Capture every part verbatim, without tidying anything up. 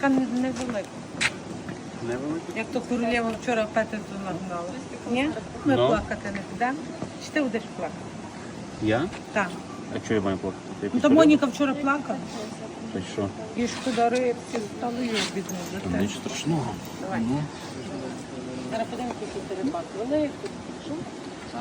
така невелика. Невелика? Як то королева вчора Петрицю нагнала. Ні? Ми Ну. плакати не підемо. Чи ти будеш плакати? Я? Так. А чого я маю плакати? Ти Ну, то якусь Моніка вчора плакала. Та що? І шкода рибці, стало її бідно за Там те. нічого страшного. Давай. Ну, Зараз подивимося, який ти рибак. Великий. Що? так.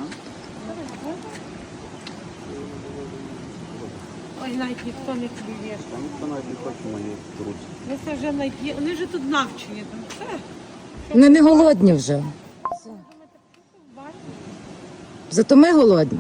Ой, навіть ніхто не клює. Там ніхто навіть не хоче мої руці. Ми це вже найп'є. Вони вже тут навчені. Там все. Вони не голодні вже. Зато ми голодні.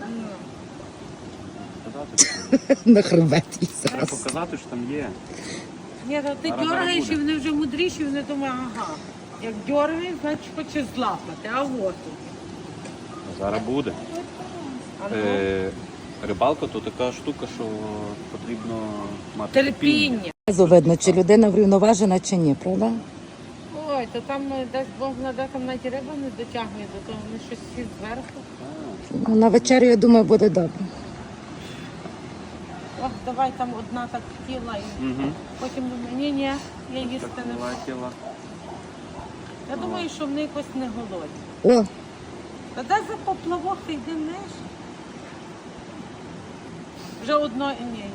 Показати, На хребет і треба зараз. показати, що там є. Ні, то ти Зараз дергаєш, буде. і вони вже мудріші, вони думають, ага. Як дергаєш, значить хоче злапати. А от. А зараз буде. А ну, Е, рибалка то така штука, що потрібно мати терпіння. Зразу видно, чи людина врівноважена, чи ні, правда? Ой, то там е, десь Бог наде, там навіть риба не дотягне до того, вони щось всі зверху. Ну, на вечерю, я думаю, буде добре. Ох, давай там одна так хотіла і Угу. потім ні, ні, я їсти Так не буду. летіла. Я думаю, що вони якось не голодні. О, Та де за поплавок ти йди ниж? Вже одно ні, є.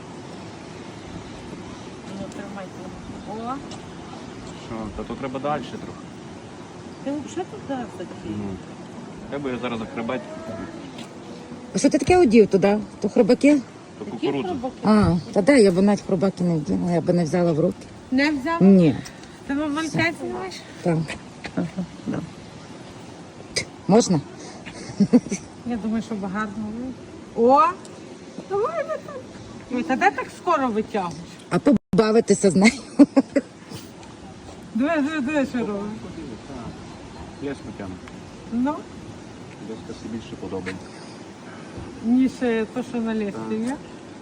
Ну, тримайте. О, Що, та то треба далі трохи. ти взагалі туди хотів. Ну. Треба я зараз захребать, а що ти таке одів туди? То хробаки? то Які кукурудзу. хробаки? А, та де, я б навіть хробаки не вділа, я б не взяла в руки. Не взяв? Ні, Ти вам мальчать знаєш? так. Можна? Я думаю, що багато. О! Давай ви так. Ой, та де так скоро витягуєш? А побавитися з нею? Диви, диви, диви, що робиш. Я смутяну. Ну, Десь це більше подобається. ніж е, то, що на лісі є.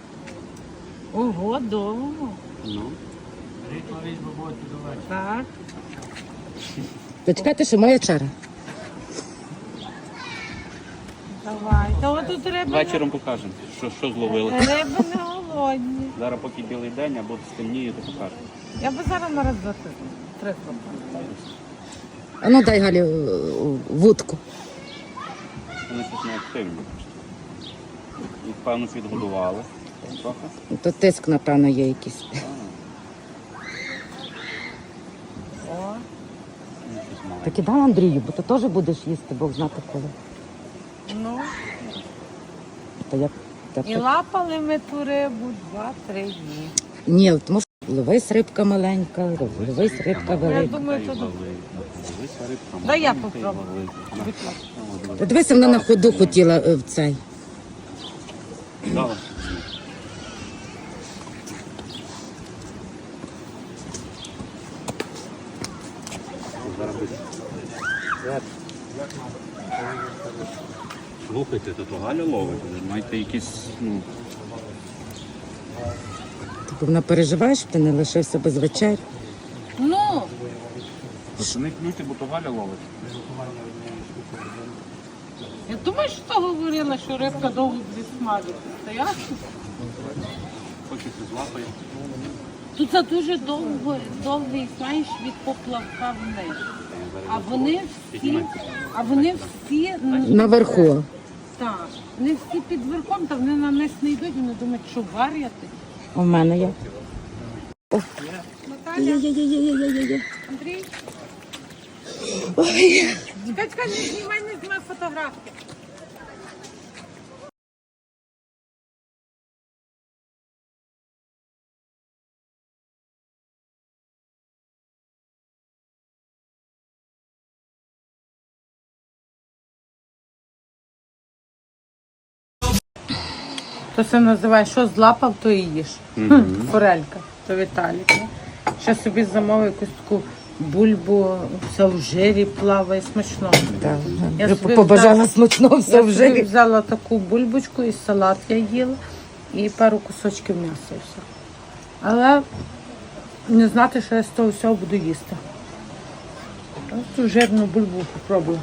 Ого, довго. Ну. Так. Почекайте, що моя черга. Давай. Та от тут риби, Вечором покажемо, що, що зловили. не, риби не голодні. Зараз поки білий день, або стемніє, то покажемо. Я би зараз на раз два три. Три хлопці. А ну дай Галі е, вудку. Вони щось не активні. Їх, певно, підгодували трохи. То тиск, напевно, є якийсь. О, Ну, щось маленьке. Так і дай Андрію, бо ти теж будеш їсти, Бог знати коли. ну. Та як? Та І так- лапали ми ту рибу два-три дні. Ні, тому що ловись рибка маленька, ловись рибка Я велика. думаю, Та й то вали. Дивися, рибка Дай я маленька, і попробую. вали. На. Будь ласка. О, дивись. Та дивися, вона на ходу хотіла е, в цей. Дала. Зараз буде. Слухайте, то то Галя ловить. Ви маєте якісь, ну, Тобто вона переживає, щоб ти не лишився без вечері. Ну, не клюйте, бо то Галя ловить. я думаю, що то говорила, що рибка довго буде смажити. Та ясно? Хочеться злапає. Тут це дуже довго, довгий, знаєш, від поплавка вниз. А вони всі, а вони всі, Наверху. так, вони всі під верхом, та вони на низ не йдуть, вони думають, що вар'яти. У мене є. Наталя, Є-є-є-є-є-є-є. Андрій. Чекай, чекай, не знімай, не знімай фотографії. То це називає, що злапав, то і їж. Мгм. Хм, Форелька, то Віталік. Ще собі замовив якусь таку бульбу, все в жирі плаває, смачно. Так, Я вже собі побажала взяла- смачного, все Я в собі жирі. взяла таку бульбочку і салат я їла, і пару кусочків м'яса і все. Але не знати, що я з того всього буду їсти. Ось цю жирну бульбу попробую.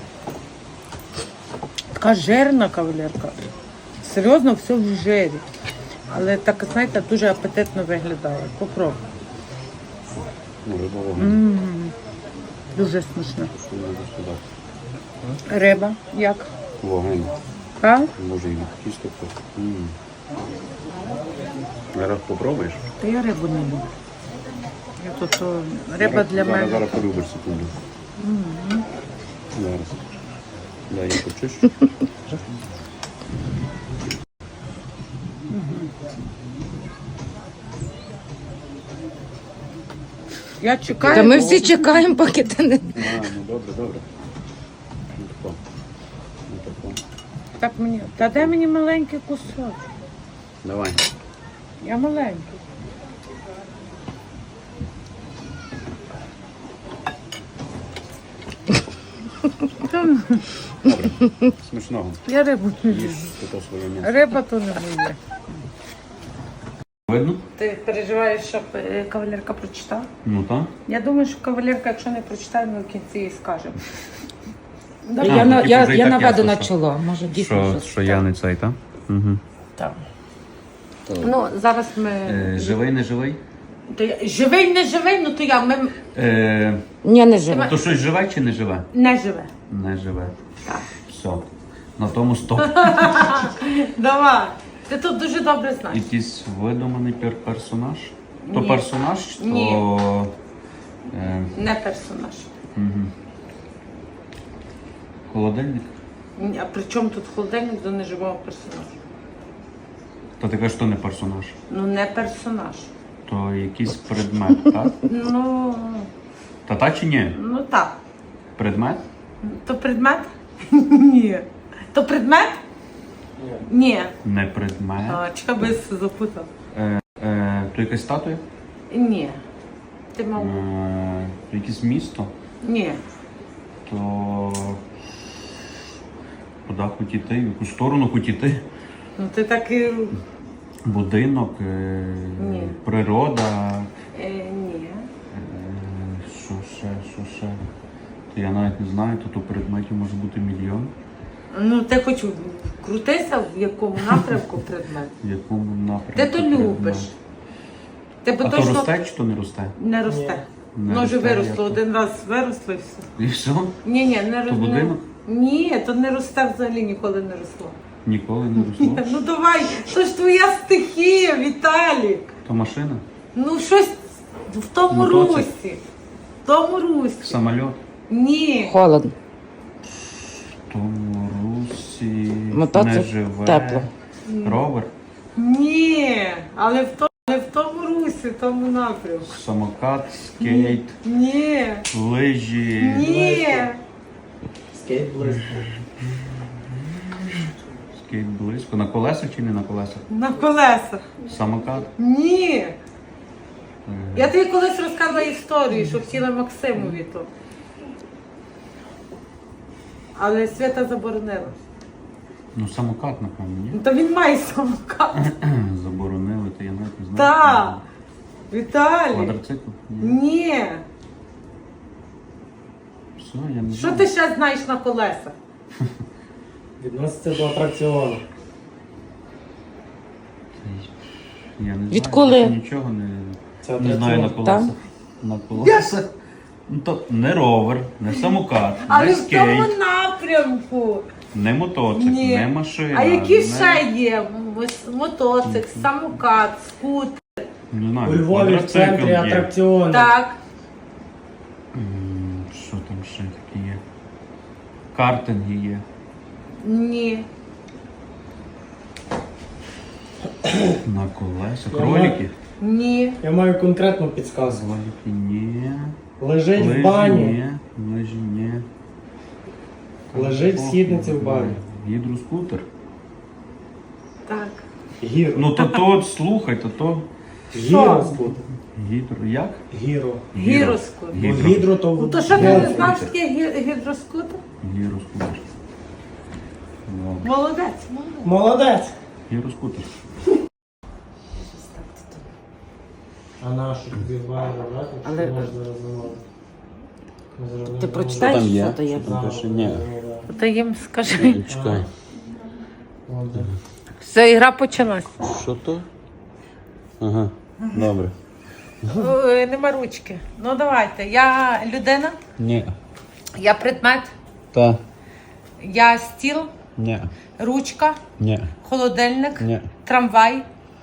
Така жирна кавалерка. Серйозно, все в жирі. Але так, знаєте, дуже апетитно виглядає. Попробуй. Ну, риба вогонь. М, Дуже смачно. Сюди. Риба, як? Вогонь. А? Може і відкисти хто. М. Зараз попробуєш? Та я рибу не люблю. Я тут о, риба Зараз- для зараз, мене. Зараз полюбиш секунду. Зараз. Дай я почищу. Я чекаю. Та ми всі чекаємо, поки ти не. А, ну добре, добре. Ну тако. Ну тако. Так мені. Та де мені маленький кусок? Давай. Я маленький. Добре. Смачного. Я рибу не люблю. Їж то своє м'ясо. Риба то не моє. Видно? Ти переживаєш, щоб е, кавалерка прочитала? Ну так. Я думаю, що кавалерка, якщо не прочитає, ми в кінці їй скажемо. А, Я, ну, на, типу, я, вже і я так наведу ясно, на що- чоло. Може, дійсно Що, щось. що я не цей, так? Угу. Так. Ну, зараз ми. Е, живий, не живий? То я... Живий, не живий, ну то я. Ми Е, Ні, не живе. то щось живе чи не живе? не живе. Не живе. Так. Все. На тому стоп. Давай. Ти тут дуже добре знаєш. Якийсь видуманий пер- персонаж? То Ні. персонаж, то. Ні. Е, Не персонаж. угу. Холодильник? Ні, а при чому тут холодильник до неживого персонажа? Та ти кажеш, що не персонаж. Ну не персонаж. То якийсь предмет, так? Ну, Та та чи ні? ну так. Предмет? То предмет? Ні. То предмет? Ні. Не предмет. А, чекай, би я запутав. Е, е, то якась статуя? Ні. Ти Е, мав. то якесь місто? Ні. То куди хоч іти? В яку сторону хоч іти? Ну ти так і. Будинок, е, Ні. природа. Е, ні. Е, Що ще, що ще? То я навіть не знаю, то, то предметів може бути мільйон. Ну ти хоч крутися, в якому напрямку предмет. В якому напрямку. Ти то предмет. любиш. Тебе А то точно росте чи то не росте? не росте. Не Ну вже росте, виросло, як один раз виросло і все. І все? Ні, ні, не То росло. будинок? Ні, то не росте взагалі, ніколи не росло. Ніколи не росло. Ну давай, то ж твоя стихія, Віталік. То машина? Ну щось в тому Мотоцикл? русі. В тому русі. Самольот? Ні. Холодно. В тому русі Мотоцикл не живе. тепло. Ровер? Ні. Але в тому, але в тому русі, в тому напрямку. Самокат, скейт, Ні. лижі. Ні. Скейт близько. Скейт близько. На колесах чи не на колесах? На колесах. Самокат. Ні. Е, Я тобі колись розказувала історію, що хотіла Максимові то. Але Свята заборонила. Ну, самокат, напевно, ні? Ну то він має самокат. Заборонили, то я навіть не знаю. Так. Віталій. Квадроцикл? Ні. Ні. Все, я не Що знаю. ти ще знаєш на колесах? Відноситься до атракціону. Я не Відколи? знаю, я нічого не, Це не атракціон. знаю на колесах. На колесах. Ну, то не ровер, не самокат, Але не в тому скейт, напрямку. не мотоцикл, Ні. не машина. А які не... ще є? Ось мотоцикл, самокат, скутер. Не знаю, У Львові в квадроцикл центрі є. атракціону. Так. М, Що там ще таке є? Картинги є. Ні. На колесах. Я Кролики? Ні. Я маю конкретну підсказку. Кролики ні. Лежить Лижі в бані. ні. Лижі ні. Лежить в східниці в бані. Гідроскутер. Так. Гіро. Ну то то, слухай, то то Гіроскут. гідро. Як? Гіро. Гіроскутер. Бо Гідро. гідро то Ну то що ти не гідро. знаєш таке гі- гідроскутер? Гіроскутер. Ну, Молодець, молодець. Молодець. Гіроскутер. А нашу тобі бає набрати, чи Але- можна зараз замовити? Ми зараз Ти не прочитаєш, там є? що то є? Що там? замовимо. Пише ні. Зараз, Та їм скажи. Чекай. От, де. Все, ігра почалась. Що то? Ага, добре. Ой, нема ручки. Ну давайте. Я людина, Ні. я предмет, Та. я стіл, Ні. ручка, Ні. холодильник, Ні. трамвай,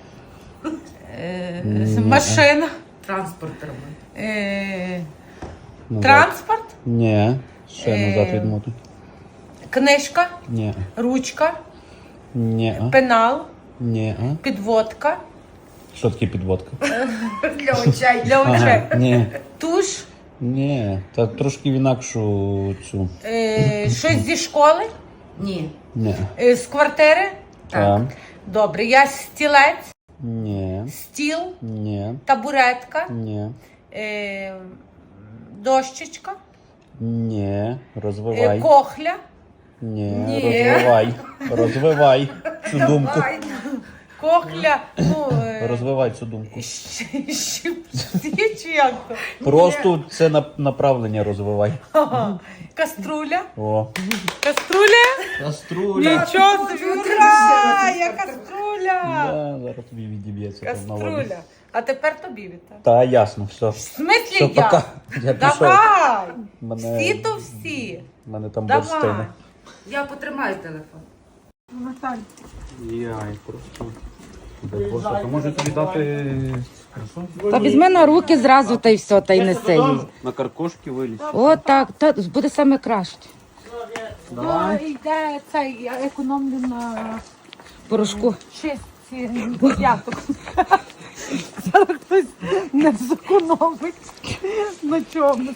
е, машина, Транспорт треба. е, Назад. транспорт, Ні. Ще Е. назад відмотуй. книжка, Ні. ручка, Ні. пенал, Ні. підводка Що таке підводка? Для очей. для очей, Ага. Ні. туш, Ні. Та трошки в інакшу цю. е, щось зі школи, Ні. Ні. е, з квартири. Та. Добре, я стілець, Ні. стіл, Ні. табуретка, Ні. е, дощечка, Ні. е, Розвивай. кохля, Ні. Ні. Розвивай. Розвивай цю думку. кохля, ну, е, Розвивай цю думку. щ- щипці чи як то? Просто це на- направлення розвивай. Ага. Каструля, О. каструля, Каструля. нічого собі, ура, я каструля, Да, зараз тобі відіб'ється там на воді. каструля. А тепер тобі віта. Та ясно, все. В смислі Все, я? пока. Я пішов. Давай, Мене- всі то всі. У мене там борщ Давай. стине. Я потримаю телефон. Наталь. Яй, просто. Боже, то може тобі дати красу? Та візьми на руки зразу та й все, та й неси їй. На каркошки вилізь. О, так, та буде саме краще. Ну, йде цей, я економлю на Порошку. чистці десяток. Зараз хтось не зекономить на чомусь.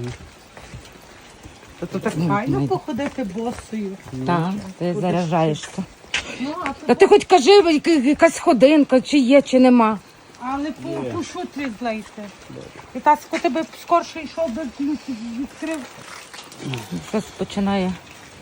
То так файно походити босою. Так, ти заряджаєшся. Ну, а Та то, ти хоч кажи, яка- якась ходинка, чи є, чи нема. але по, по шутрі злейте. І таско тебе скорше йшов би ключ відкрив. Щось починає.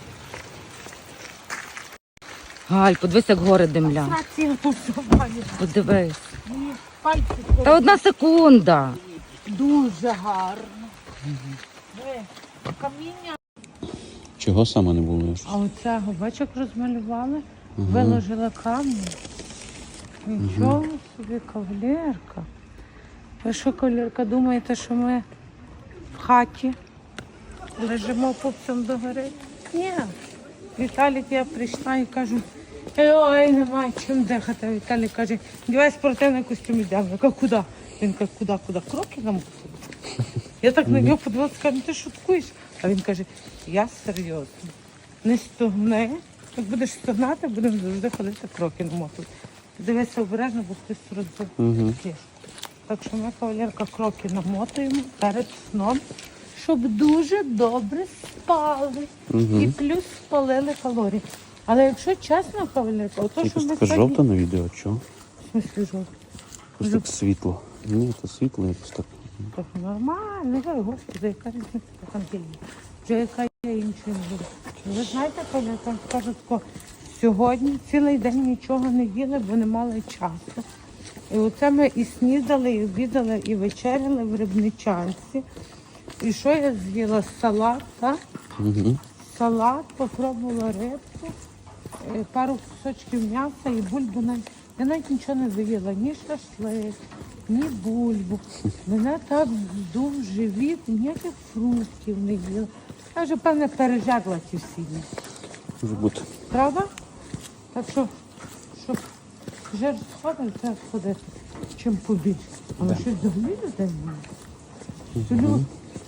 Галь, подивись, як гори димля. Рація то все має. Подивись. Мені пальці Та одна секунда. дуже гарно. Ви, каміння. Чого саме не було? А оцього бачок розмалювали, виложила камінь. Нічого собі, кавалерка. Ви що, кавалерка, думаєте, що ми в хаті лежимо пупцем догори? Ні. Віталік, я прийшла і кажу, ой, немає чим дихати. А Віталік каже, дівай спортивний костюм йдемо. Я кажу, куди? Він каже, куди, куди? Кроки нам куди? Я так на нього подивилася, кажу, ну ти шуткуєш? А він каже, я серйозно. Не стогни. Як будеш стогнати, будемо завжди ходити кроки намотувати. Дивися обережно, бо хтось розбив. Угу. Так що ми, кавалерка, кроки намотуємо перед сном, щоб дуже добре спали. І плюс спалили калорії. Але якщо чесно, кавалерка, ото, що Якось ми така сьогодні... жовта на відео, чого? В смислі жовта? Якось так світло. Ні, то світло якось так. Так нормально, ой, господи, яка різниця там є. Вже яка є іншої буде. Ви знаєте, коли я там скажу тако, сьогодні цілий день нічого не їли, бо не мали часу. І оце ми і снідали, і обідали, і вечеряли в Рибничанці. І що я з'їла? Салат, так? Угу. Салат, попробувала рибку, е, пару кусочків м'яса і бульбу. навіть- Я навіть нічого не доїла, ні шашлик, ні бульбу. Мене так здув живіт, ніяких фруктів не їла. Я вже, певне, пережерла ті всі дні. Може бути. Правда? Так що, щоб жир сходив, треба сходити, чим побільше. Але щось взагалі людей немає. Люди